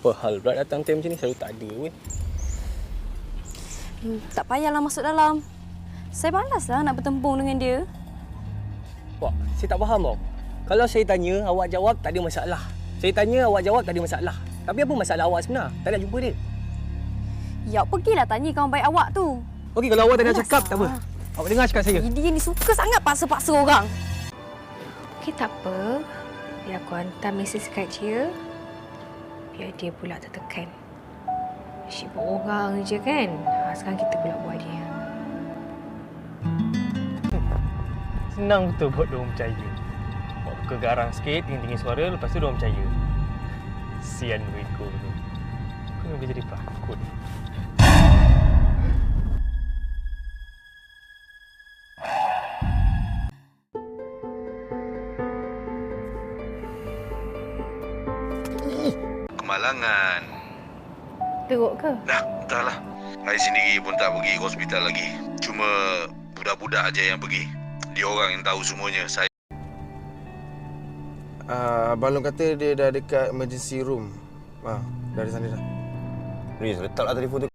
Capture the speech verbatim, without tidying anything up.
Apa hal pula datang time macam ni selalu tak ada weh. Hmm, tak payahlah masuk dalam. Saya malaslah nak bertempung dengan dia. Wah, saya tak faham tau. Kalau saya tanya, awak jawab tak ada masalah. Saya tanya, awak jawab tak ada masalah. Tapi apa masalah awak sebenar? Tak nak jumpa dia. Ya, pergilah tanya kawan baik awak tu. Okey, kalau awak tak nak Malas cakap, tak apa. lah. Awak dengar cakap saya. Dia ni suka sangat paksa-paksa orang. Okey, tak apa. Biar aku hantar mesej kat dia. Biar dia pula tertekan. Sibuk orang je kan. Ha, sekarang kita pula buat dia. Senang betul buat dia orang percaya. Buat muka garang sikit, tinggi-tinggi suara, lepas tu dia orang percaya. Sian mereka tu. Kau memang jadi pelakon. Kemalangan. Teruk ke? Dah, entahlah. Saya sendiri pun tak pergi ke hospital lagi. Cuma budak-budak aja yang pergi. Dia orang yang tahu semuanya. Saya Uh, Abang Long kata dia dah dekat emergency room. Ah, dah di sana dah. Riz, letaklah telefon tu